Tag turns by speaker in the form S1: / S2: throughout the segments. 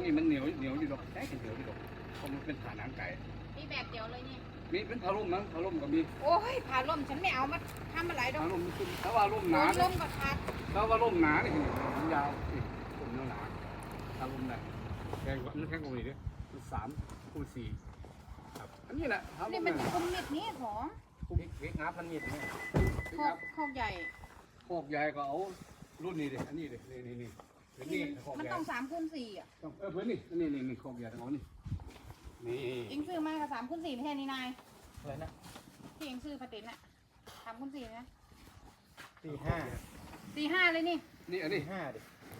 S1: นี่มันเหนียวอยู่ดอกแท้เหนียวอยู่ดอกเพราะมันเป็นผ่าหนังไก่
S2: มีแบบเดียวเลยนี่
S1: มีเป็นผ้าร่มมั้งผ้าร่มก็มี
S2: โอ้ยผ้าร่มฉันไม่เอามาทำอะไรดอก
S1: ผ้าร่มถ้าว่าร่มหนา
S2: ร่มก็ขาด
S1: ถ้าว่าร่มหนานี่มันยาวนี่ร่มหนาถ้าร่มได้แข็งกว่ามันแข็งกว่านี้ด้วย3 คูณ 4ครับอันนี้แหละ
S2: นี่มันคุมมิดนี้ของ
S1: เล็กงับมันมีดเนี่ย
S2: โคกใหญ่
S1: โคกใหญ่ก็เอารุ่นนี้ดิอันนี้ดินี่
S2: มันต้อง3 คูณ 4อ่ะ
S1: เพื่อนนี่โคกใหญ่เอานี่
S2: อิงซื้อมากับ3 คูณ 4ไม่ใช่นี่นายอะไรนะที่อิงซื้อปฏิทินอ่ะ3 คูณ 4นะ4 5เลยนี่
S1: อันนี้
S3: 5ดิ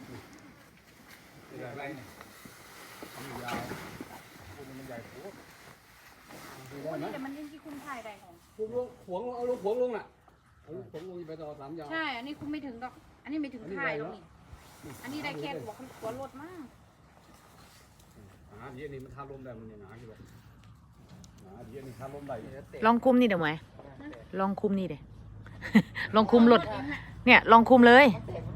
S1: อะไรเนี่ยมันยาวมันใหญ่โคตร
S2: นี่แต่มันยิ่งที่คุณถ่ายได้ของ
S1: ขวงเอาลูกขวงลงน่ะเอาลูกขวงลงไปต่อ3 ยาว
S2: ใช่อันนี้คุณไม่ถึงดอกอันนี้ไม่ถึงถ่ายหรอกนี่อันนี้ได้แค่หัวรถมาก
S1: เดี๋ยวนี้มันทาลมได้มันยังหนาอยู่หรอกเดี๋ยวนี้ทาลมได้
S4: ลองคุมนี่เดี๋ยวไหมลองคุมนี่เดี๋ยวลองคุมรถเนี่ยลองคุมเลย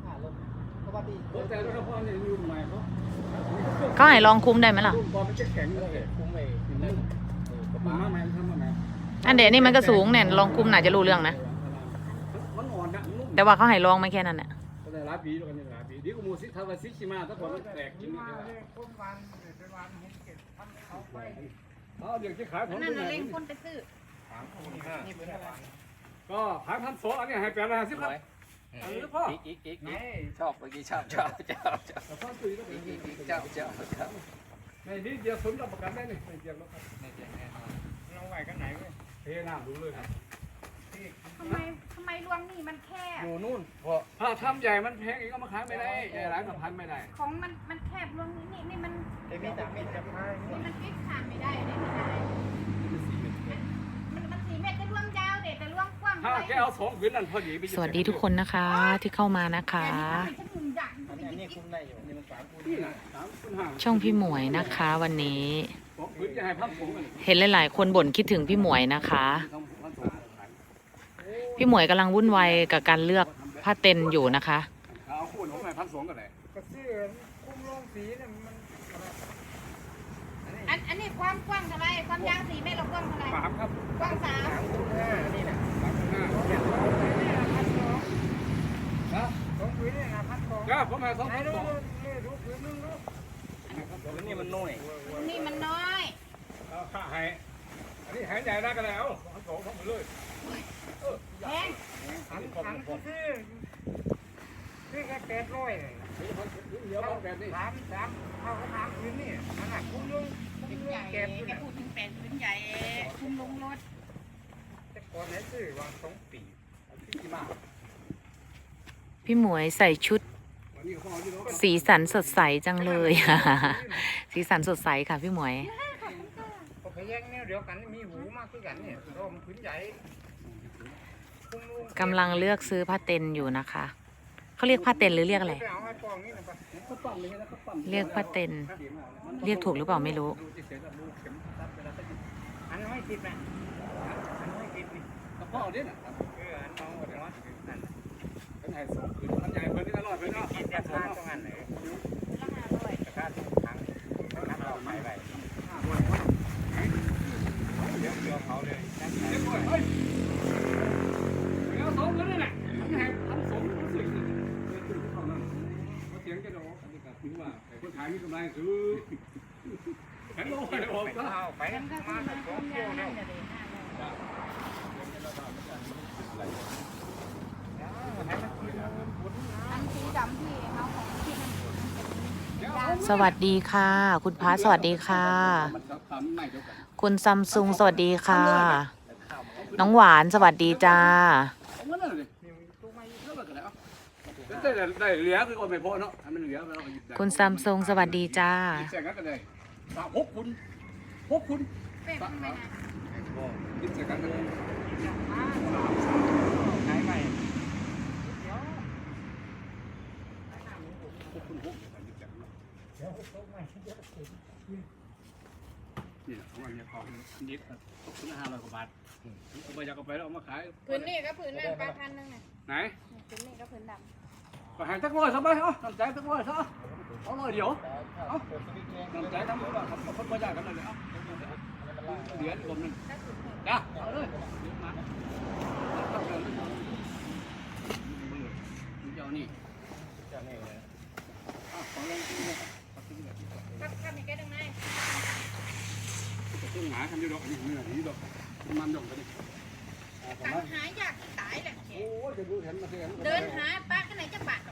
S4: เขาให้ลองคุมได้ไหมล่ะอันเดี๋ยวนี่มันก็สูงเนี่ยลองคุมน่าจะรู้เรื่องนะแต่ว่าเขาให้ลองไม่แค่นั้นเนี่ย
S1: หลายปีแล้วกันหลายปีดีกว่ามูสิทาวซิชิมาถ้าผมแตกกินเดี๋ยวจะขายผม
S2: นั่นเล่งคนไปซื้อ
S1: ก็ขาย1,200อันนี้ให้850ครับพ่อ
S3: อีกชอบเมื่อกี้ชอบ
S1: ในนี้เดียวสมรับประกันได้นี่ไม่เดียวแล้วครับเราไหวกันไหนเว้ยเทน้ำดูเลยครับ
S2: ทำไมรวงนี่มันแคบ
S1: อยู่นู่นถ้าทำใหญ่มันแพงอีกก็มาขายไม่ได้ใหญ่หลายพันไม่ได้
S2: ของมันแคบรวงนี่มัน
S3: มีแต่ไม่จะพาย
S2: นี่มันฟิกขาดไม่ได้ไม่ได้มัน4 เมตรจะรวงยาวเด็ดแต่รวงกว้าง
S1: ถ้าแกเอา2 พื้นนั่นพอดี
S4: สวัสดีทุกคนนะคะที่เข้ามานะคะช่องพี่หมวยนะคะวันนี้เห็นหลายๆคนบ่นคิดถึงพี่หมวยนะคะพี่หมวยกำลังวุ่นวายกับการเลือกผ้าเต็นอยู่นะคะ
S1: เอาคู่ของไหน1,200ก็ได้
S3: ก็ซื้อคุ้มลงสีเนี่ย
S2: มันอันนี้ความกว้างเท่าไรความยาว4 เมตรเรากว้างเท่าไร
S1: 3ครับ
S2: กว้าง
S3: 3 นี่แหละ2 พื้นเนี่ยนะ1,200
S1: ก็ผมให้2 พื้น
S3: ดูพื้นนึงดูนี่มันน้อย
S2: นี่มันน้อย
S1: ข้าให้อันนี้หายใจได้ก็แล้ว2 พื้นเลย
S2: แพง
S3: ถังซื้อแค่800เลย
S1: เดี๋ยวแบบนี้
S3: 3เข้ากับ3 พื้นนี่มันหักคุ้มลง
S2: ใหญ่แกพูดถึง8 พื้นใหญ่คุ้มลงรถ
S3: แต่ก่อนไหนซื้อวาง2 ปี
S4: พี่หมวยใส่ชุดสีสันสดใสจังเลยสีสันสดใสค่ะพี่หมวย
S3: พยักเนี่ยเดี๋ยวกันมีหูมากขึ้นกันเนี่ยรวมพื้นใหญ่
S4: กำลังเลือกซื้อผ้าเต็นอยู่นะคะเขาเรียกผ้าเต็นหรือเรียกอะไรเรียกผ้าเต็นเรียกถูกหรือเปล่าไม่รู้
S3: อันไม่ติดไหมอันไม่ติดนี่
S1: กระเพาะเนี่ยนะ
S3: อันน้องเดี๋ยวนั่น
S1: อันไหน2 พื้นอันใหญ่เพิ่นนี่อร่อยเพิ่นเนาะ
S3: กินแต่ข้าวตรงนั้นเลยแต่ข้าวทั้งเราไม่ไปเดี๋ยวเขาเลย
S1: เฮ้ยเอา2 พื้นนี่แหละให้1,200รู้สึกเขานั่นเขาเถียงกันดอกอันนี้ก็ถือว่าแต่คนขายมีกำไรคือแข็งลงไปออกก็
S3: เอาไปมา2 กิโลแล้ว
S2: อันสีดำที่เขาของที่มัน
S4: สวัสดีค่ะคุณพระสวัสดีค่ะคุณซัมซุงสวัสดีค่ะน้องหวานสวัสดีจ้า
S1: ได้เหลือคือคนไม่พอเนาะมันเหลือเราหยิบได้
S4: คุณซัมซุงสวัสดีจ้า
S1: แจกกันเลย6 คุณ
S2: เป็ดมันไปไหน
S1: กินแจกกันเลย
S3: ขายใหม่
S1: นี่ของอันนี้ของนิดตกถึง500 กว่าบาทเอาไปจากเอาไปแล้วเอามาขาย
S2: ผืนนี่ก็ผืนนั่น8,000นึงไง
S1: ไหน
S2: ผืนนี่ก็ผืนดำ
S1: ก็หายสักร้อยซะไปเอาตั้งใจสักร้อยซะเอาเลยเดี๋ยวเอาน้ำใจน้ำมันทำคนประหยัดกันเลยเอาเดี๋ยวรวมนึงจ้าเอาเลยมาเจ้านี่ขอลองดูครับ
S2: ทำอีกแค่ตรงไหน
S1: ต้องหาทำดีดอกนี่นี่ดอกมันดอกกันดิ
S2: ตังหายากตายแหละ
S1: โอ้ยจะดูเห็นมาเห็น
S2: เดินหาป้าที่ไหนจะบาด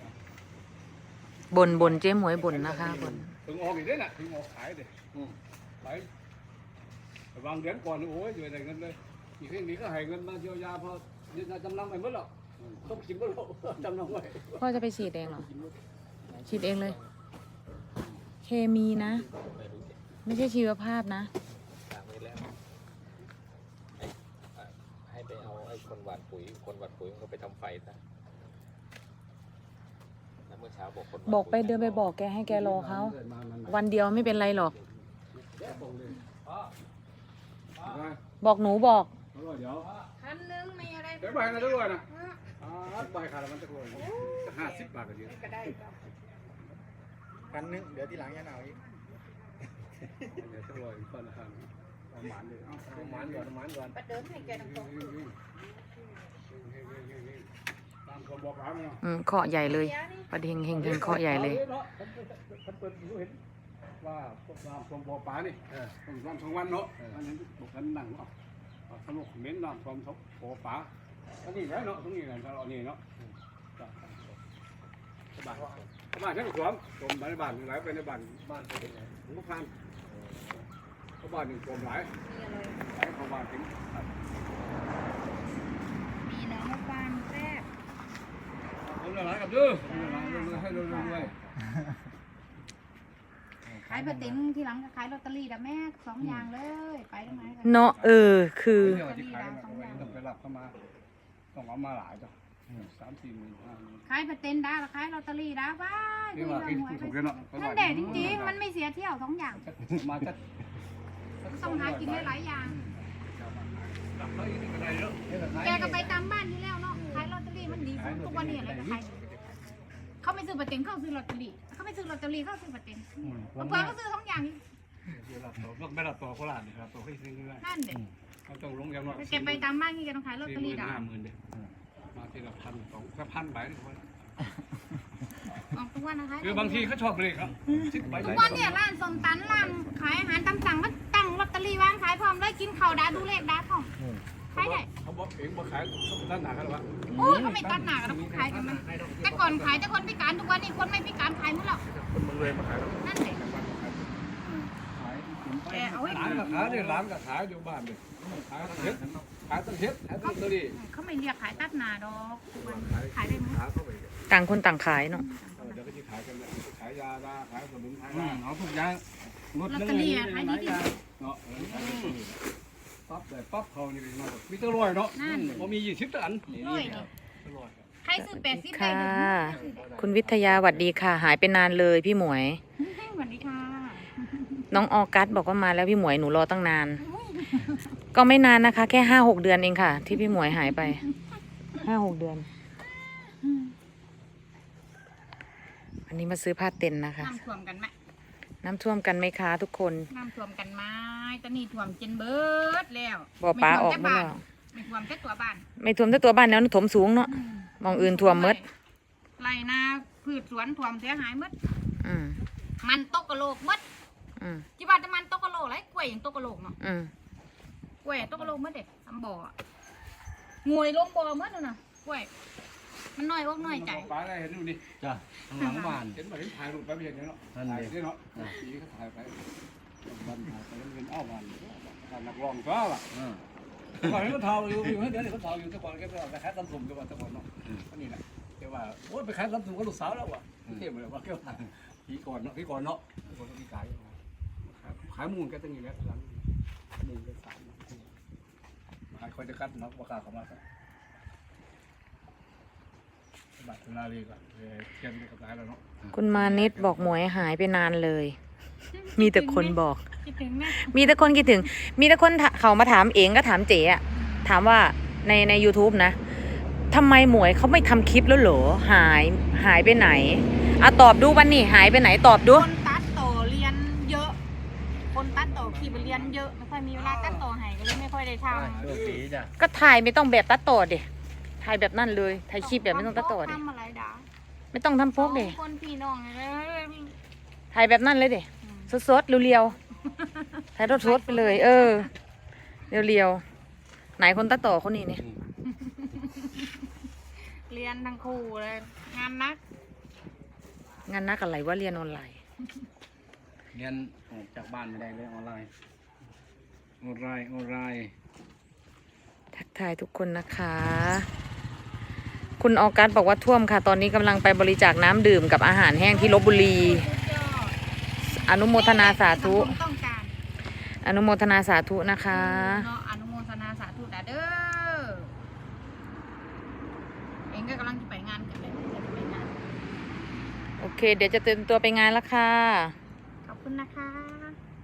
S4: บนเจ๊หมวยบนนะคะบน
S1: ถึงออกอีกได้น่ะถึงออกขายเลยไปวางเดือนก่อนโอ้ยอยู่ไหนเงินเลยอีกทีนี้ก็ให้เงินมาเยียวยาพอยึดจำนำไปหมดหรอกต้องกินหมดหรอกจำนำไว้
S4: พ่อจะไปฉีดเองเหรอฉีดเองเลย เคมีนะ ไม่ใช่ชีวภาพนะ
S3: สั่งไว้แล้วให้ไปเอาไอ้คนหว่านปุ๋ยมันก็ไปทำไฟซะแล้วเมื่อเช้าบอกคน
S4: บอกไปเดินไปบอกแกให้แกรอเขาวันเดียวไม่เป็นไรหรอก บอกหนูบอก
S1: เดี๋ยว
S2: พันหนึ่งไม่อะไร
S1: เดี๋ยวใบนะด้วยนะใบขาดมันจะโกย50 บาทก็เยอะ
S2: ก็ได้
S3: กันนึงเดี๋ยวที่หลังยันเอาอีก
S1: เดี๋ยวจะโกยต้นละครั้งเอาหมานเลยเอาหมานก่อน
S2: ประเดิมให้แกตรง
S1: ตามคนบอกร้านเนาะ
S4: เคาะใหญ่เลยประเด็นเฮงเคาะใหญ่เลย
S1: ท่านเปิดรู้เห็นว่าพวกน้ำท่วมบ่อปลานี่ต้องน้ำ2 วันเนาะอันนี้บอกกันนั่งเนาะสนุกเม้นน้ำท่วมบ่อปลาอันนี้แล้วเนาะตรงนี้เราเอานี่เนาะบ้านฉันก็ท่วมไปในบ้านไหลไปในบ้านเป็นไงผมก็พันเขาบ้านหนึ่งท่วมหลายเข้าบ้านถึง
S2: มีน้องมาฟังแซ่บ
S1: ผมจะหลายกับดื้อให้รวย
S2: ขายปลาติ๋มที่หลังก็ขายลอตเตอรี่แต่แม่2 อย่างเลยไปตรงไหน
S4: เนาะคือ
S1: เดี๋ยวที่ขายต้องไปรับเข้ามาต้องเอามาหลายจ้ะ3-4 หมื่น
S2: ขายปลาติ๋มได้ขายลอตเตอรี่ได้ว้า
S1: นี่ว่ากินถูกกันเนาะ
S2: นั่นแหละจริงๆมันไม่เสียเที่ยว2 อย่าง
S1: มาจัด
S2: ต้องหากินหลายอย่างแกก็ไปตามบ้านนี่แล้วเนาะขายลอตเตอรี่มันดีสุดทุกวันนี้อะไรก็ขายเขาไม่ซื้อปลาติ๋มเขาซื้อลอตเตอรี่เขาไม่ซื้อลอตเตอรี่เขาซื้อปลาติ๋มบางคนก็ซื้อ2 อย่าง
S1: ไม่รับต่อโคราชนี่ครับต่อให้ซื้อได้
S2: นั่นเด็ก
S1: เขาต้องลงอย่างน้อย
S2: แกไปตามบ้านนี่แกต้องขายลอตเตอรี่ได้
S1: 50,000เด้มาทีละ1,000 2,000 ใบนี่คน
S2: ออกทุกวันนะคะ
S1: คือบางทีเขาชอบเลยครับ10 ใบ
S2: ทุกวันเนี่ยร้านส้มตันร้านขายอาหารตามสั่งมันตั้งลอตเตอรี่วางขายพร้อมเลยกินข้าวดาดูเลขดาพร้อมขายได้
S1: เขาบอกเองบอกขายด้านหนากันหรอวะ
S2: โอ้ยเขาไม่ตัดหนากันขายกันมันแต่ก่อนขายแต่คนพิการทุกวันนี้คนไม่พิการขายหมดแล้ว
S1: คนมึงเลยมาขายแล้ว
S2: นั่นเด็ก แกเอาไว้
S1: ร้านก็ขายเนี่ยร้านก็ขายอยู่บ้านเลยขายเฮ็ดขายตั้งเฮ็ดขายตั้งตัวนี้
S2: เขาไม่เรียกขายตัดหนาดอกทุกวันขายได้ไหม
S1: ขายเข้าไป
S4: ต่างคนต่างขายเนาะ
S1: เดี๋ยวก็จะขายกันเลยขายยาขายสมุนไพรเอาทุกอย่าง
S2: ลอตเตอรี่ขายดีดี
S1: เนาะปั๊บแต่ปั๊บเขานี่เป็นมีตั้งร้อยเนาะพอมี20ตันนี่
S2: ร้อยใครซื้อ80ได้
S4: ค่ะ
S2: เลย
S4: คุณวิทยาหวัดดีค่ะ หายไปนานเลยพี่หมวย
S2: สวัสดีค่ะ
S4: น้องออกัสบอกว่ามาแล้วพี่หมวยหนูรอตั้งนาน ก็ไม่นานนะคะ แค่5-6 เดือนเองค่ะ ที่พี่หมวยหายไป5-6 เดือน อันนี้มาซื้อผ้าเต็นท์นะคะ
S2: น้ำท่วมกันไหม
S4: น้ำท่วมกันไหมคะทุกคน
S2: น้ำท่วมกันไหมตอนนี้ท่วมจนเบิดแล้ว
S4: บ่อปลาออกหมดแล้ว
S2: ไม่ท่วมแต่ตัวบ้าน
S4: ไม่ท่วมแต่ตัวบ้านแล้วถมสูงเนาะมองอื่นท่วมหมด
S2: ไรนาพืชสวนท่วมเสียหายหมด
S4: อืม
S2: มันตกกระโหลกหมด
S4: อืม
S2: จิบาจะมันตกกระโหลกไรกล้วยอย่างตกกระโหลกเนาะ
S4: อืม
S2: กล้วยตกกระโหลกหมดเด็ดทำบ่ออะงวยลงบ่อหมดเลยนะกล้วยมันน้อยอกน้อยใจ
S1: ปลาได้เห็นดูนี่
S3: จ้ะข้างหลังบ้าน
S1: เห็นมาเห็นถ่ายรูปไปไม่เห็นเนาะถ่ายได้เนาะนี่เขาถ่ายไปวันถ่ายไปแล้วเป็นอ้อวันนักร้องก็ล่ะก่อนนี้เขาทาอยู่เดี๋ยวนี้เขาทาอยู่แต่ก่อนแกไปขายตำสุ่มแต่ก่อนเนาะนี่แหละแกว่าโอ้ไปขายตำสุ่มกับลูกสาวแล้วว่ะเที่ยวเลยว่าแกว่าพี่ก่อนเนาะพี่ขายมูลแกตั้งอยู่แล้วหลังมูลแก3ขายคอยจะคัดเนาะราคาเขามาบัตรนาลีก็เทียนกับขายแล้วเนาะ
S4: คุณมานิดบอกหมวยหายไปนานเลย มีแต่คนบอก
S2: คิดถึงนะ
S4: มีแต่คนคิดถึง มีแต่คนเขามาถามเองก็ถามเจ๋อะถามว่าใน YouTube นะทำไมหมวยเขาไม่ทำคลิปแล้วเหรอหายไปไหนตอบดูวันนี้หายไปไหนตอบดู
S2: คนตัดต่อเรียนเยอะ คนตัดต่อขี่ไปเรียนเยอะไม่ค่อยมีเวลาตัดต่อให้ก็เลยไม่ค่อยได้ทำ
S3: โชคดีจ้ะ
S4: ก็ถ่ายไม่ต้องแบบตัดต่อเด็ถ่ายแบบนั่นเลยถ่ายคลิปแบบไม่ต้องตัดต่อเด็
S2: ทำอะไรด่า
S4: ไม่ต้องทำโป๊กเด็
S2: คนพี่น้องเลย
S4: ถ่ายแบบนั่นเลยเด็สดๆเรียวๆถ่ายสดๆไปเลย เรียวๆไหนคนตัดต่อคนนี้เนี่ย
S2: เรียนทั้งคู่เลยงานนัก
S4: งานนักอะไรว่าเรียนออนไลน์
S3: เรียนออกจากบ้านไม่ได้เลยออนไลน์ออนไลน์
S4: ทักทายทุกคนนะคะ คุณออกัสบอกว่าท่วมค่ะ ตอนนี้กำลังไปบริจาคน้ำดื่มกับอาหารแห้งที่ลพบุรี
S2: สุดยอด
S4: อนุโมทนาสาธุ
S2: สังคมต้องการ
S4: อนุโมทนาสาธุนะคะ
S2: เนาะอนุโมทนาสาธุนะเด้อเองก็กำลังจะไปงานกันเลยจะไปงาน
S4: โอเค เดี๋ยวจะเตรียมตัวไปงานแล้วค่ะ
S2: ขอบคุณนะคะ